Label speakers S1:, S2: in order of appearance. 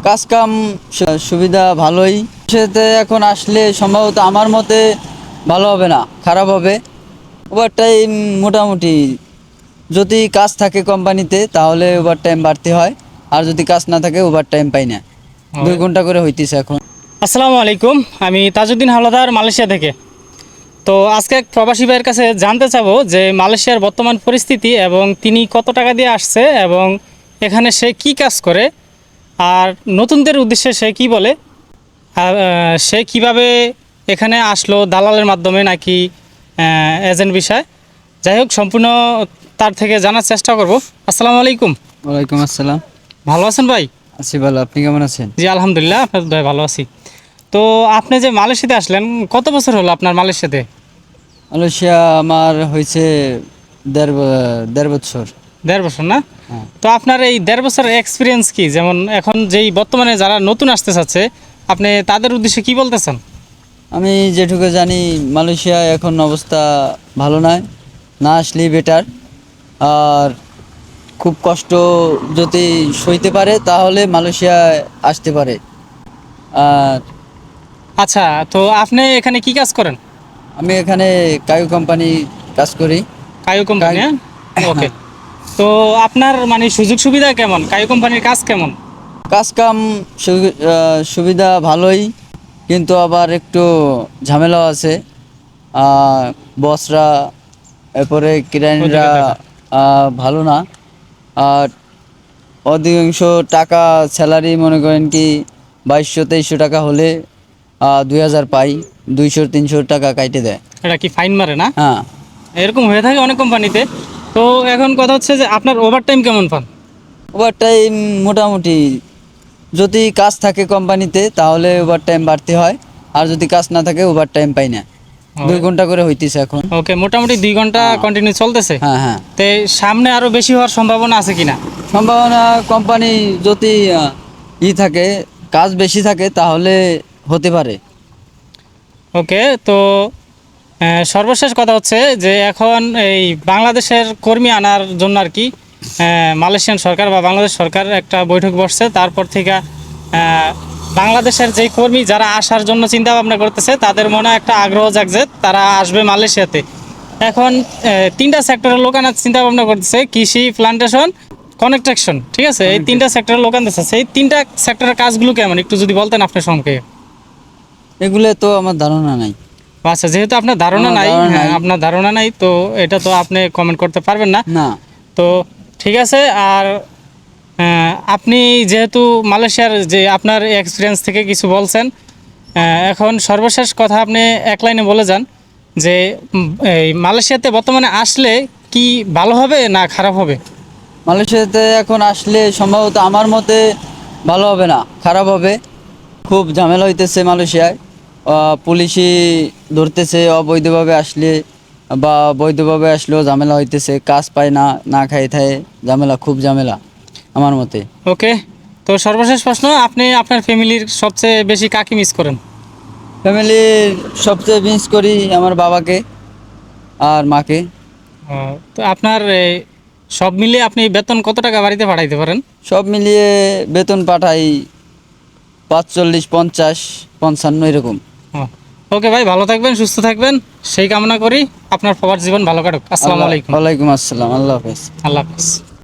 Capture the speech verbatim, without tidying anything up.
S1: কাজ কাম সু- সুবিধা ভালোই। সেতে এখন আসলে সম্ভবত আমার মতে ভালো হবে না, খারাপ হবে। ওভার টাইম মোটামুটি যদি কাজ থাকে কোম্পানিতে তাহলে ওভার টাইম বাড়তে হয়, আর যদি কাজ না থাকে ওভার টাইম পাই না। দুই ঘন্টা করে হইতেছে এখন।
S2: আসসালামু আলাইকুম, আমি তাজউদ্দিন হাওলাদার, মালয়েশিয়া থেকে। তো আজকে এক প্রবাসী ভাইয়ের কাছে জানতে চাবো যে মালয়েশিয়ার বর্তমান পরিস্থিতি এবং তিনি কত টাকা দিয়ে আসছে এবং এখানে সে কি কাজ করে, আর নতুনদের উদ্দেশ্যে সে কি বলে, আর আহ, সে কিভাবে এখানে আসলো, দালালের মাধ্যমে নাকি এজেন্ট বিষয়। যাই হোক, সম্পূর্ণ তার থেকে জানার চেষ্টা করব। আসসালামু আলাইকুম।
S1: ওয়ালাইকুম আসসালাম।
S2: ভালো আছেন ভাই?
S1: আছি ভালো, আপনি কেমন আছেন?
S2: জি আলহামদুলিল্লাহ, আপনার ভাই ভালো আছি। তো আপনি যে মালয়েশিয়াতে আসলেন, কত বছর হলো আপনার মালয়েশিয়াতে?
S1: মালয়েশিয়া আমার হয়েছে দেড় ব- দেড় বছর।
S2: দেড় বছর না?
S1: হ্যাঁ।
S2: তো আপনার এই দেড় বছরের এক্সপিরিয়েন্স কি? যেমন এখন যেই বর্তমানে যারা নতুন আসতে চাচ্ছে, আপনি তাদের উদ্দেশ্যে কি বলতেছেন?
S1: আমি যেটুকু জানি মালয়েশিয়া এখন অবস্থা ভালো নয়, না আসলেই বেটার। আর খুব কষ্ট যদি সইতে পারে তাহলে মালয়েশিয়ায় আসতে পারে। আর
S2: আচ্ছা, তো আপনি এখানে কি কাজ করেন?
S1: আমি এখানে কায়ু কোম্পানি কাজ করি।
S2: Caio company?
S1: কায়ু-
S2: হ্যাঁ, ওকে। তো আপনার মানে সুযোগ সুবিধা কেমন? কায়ো কোম্পানির কাজ কেমন?
S1: কাজ কাম সু- আহ, সুবিধা ভালোই, কিন্তু আবার একটু ঝামেলাও আছে। আহ, বসরা, এরপরে ক্লায়েন্টরা আহ, ভালো না। আর অধিকাংশ টাকা স্যালারি মনে করেন কি বাইশশো তেইশশো টাকা হলে দুই হাজার পাই, দুইশো তিনশো টাকা কাইটে দেয়।
S2: এটা কি ফাইন মারে না?
S1: হ্যাঁ।
S2: এরকম হয়ে থাকে অনেক কোম্পানিতে। তো এখন কথা হচ্ছে যে আপনার ওভার টাইম কেমন পান?
S1: ওভার টাইম মোটামুটি যদি কাজ থাকে কোম্পানিতে তাহলে ওভার টাইম বাড়তে হয়, আর যদি কাজ না থাকে ওভার টাইম পাই না। দুই ঘন্টা করে হইতেছে এখন।
S2: ওকে, মোটামুটি দুই ঘন্টা
S1: হ্যাঁ।
S2: কন্টিনিউ চলতেছে।
S1: হ্যাঁ হ্যাঁ।
S2: তো সামনে আরো বেশি হওয়ার সম্ভাবনা আছে কিনা?
S1: সম্ভাবনা কোম্পানি যদি আহ, ই থাকে, কাজ বেশি থাকে তাহলে হতে পারে।
S2: ওকে, তো আহ, সর্বশেষ কথা হচ্ছে যে এখন এই বাংলাদেশের কর্মী আনার জন্য আর কি আহ, মালয়েশিয়ান সরকার বা বাংলাদেশ সরকার একটা বৈঠক বসছে। তারপর থেকে আহ, বাংলাদেশের যেই কর্মী যারা আসার জন্য চিন্তা ভাবনা করতেছে তাদের মনে একটা আগ্রহ জাগছে, তারা আসবে মালয়েশিয়াতে। এখন আহ, তিনটা সেক্টরের লোক আনার চিন্তা ভাবনা করতেছে: কৃষি, প্লান্টেশন, কনস্ট্রাকশন। ঠিক আছে, এই তিনটা সেক্টরের লোক আনতেছে। সেই তিনটা সেক্টরের কাজগুলো কেমন একটু যদি বলতেন আপনার সঙ্গে।
S1: এগুলো তো আমার ধারণা নাই।
S2: আচ্ছা, যেহেতু আপনার ধারণা
S1: আমার
S2: নাই,
S1: ধারণা
S2: হ্যাঁ
S1: নাই।
S2: আপনার ধারণা নাই, তো এটা তো আপনি কমেন্ট করতে পারবেন না।
S1: না।
S2: তো ঠিক আছে। আর আহ, আপনি যেহেতু মালয়েশিয়ার যে আপনার এক্সপিরিয়েন্স থেকে কিছু বলছেন, আহ, এখন সর্বশেষ কথা আপনি এক লাইনে বলে যান যে উম, এই মালয়েশিয়াতে বর্তমানে আসলে কি ভালো হবে না খারাপ হবে?
S1: মালয়েশিয়াতে এখন আসলে সম্ভবত আমার মতে ভালো হবে না, খারাপ হবে। খুব ঝামেলা হইতেছে মালয়েশিয়ায়। আহ, পুলিশই ধরতেছে অবৈধভাবে আসলে, বা বৈধভাবে আসলেও ঝামেলা হইতেছে। কাজ পায় না, না খাই থায় ঝামেলা, খুব ঝামেলা আমার মতে।
S2: ওকে, তো সর্বশেষ প্রশ্ন, আপনি আপনার ফ্যামিলির সবচেয়ে বেশি কাকে মিস করেন?
S1: ফ্যামিলির সবচেয়ে মিস করি আমার বাবাকে আর মাকে।
S2: আহ, তো আপনার এই, সব মিলিয়ে আপনি বেতন কত টাকা বাড়িতে পাঠাইতে পারেন?
S1: সব মিলিয়ে বেতন পাঠাই পাঁচচল্লিশ, পঞ্চাশ, পঞ্চান্ন এরকম।
S2: ও, ওকে ভাই, ভালো থাকবেন, সুস্থ থাকবেন, সেই কামনা করি। আপনার প্রবাস জীবন ভালো কাটুক। আসসালামু
S1: আল্লাহ,
S2: আলাইকুম।
S1: ওয়ালাইকুম আসসালাম, আল্লাহ হাফেজ।
S2: আল্লাহ হাফিজ।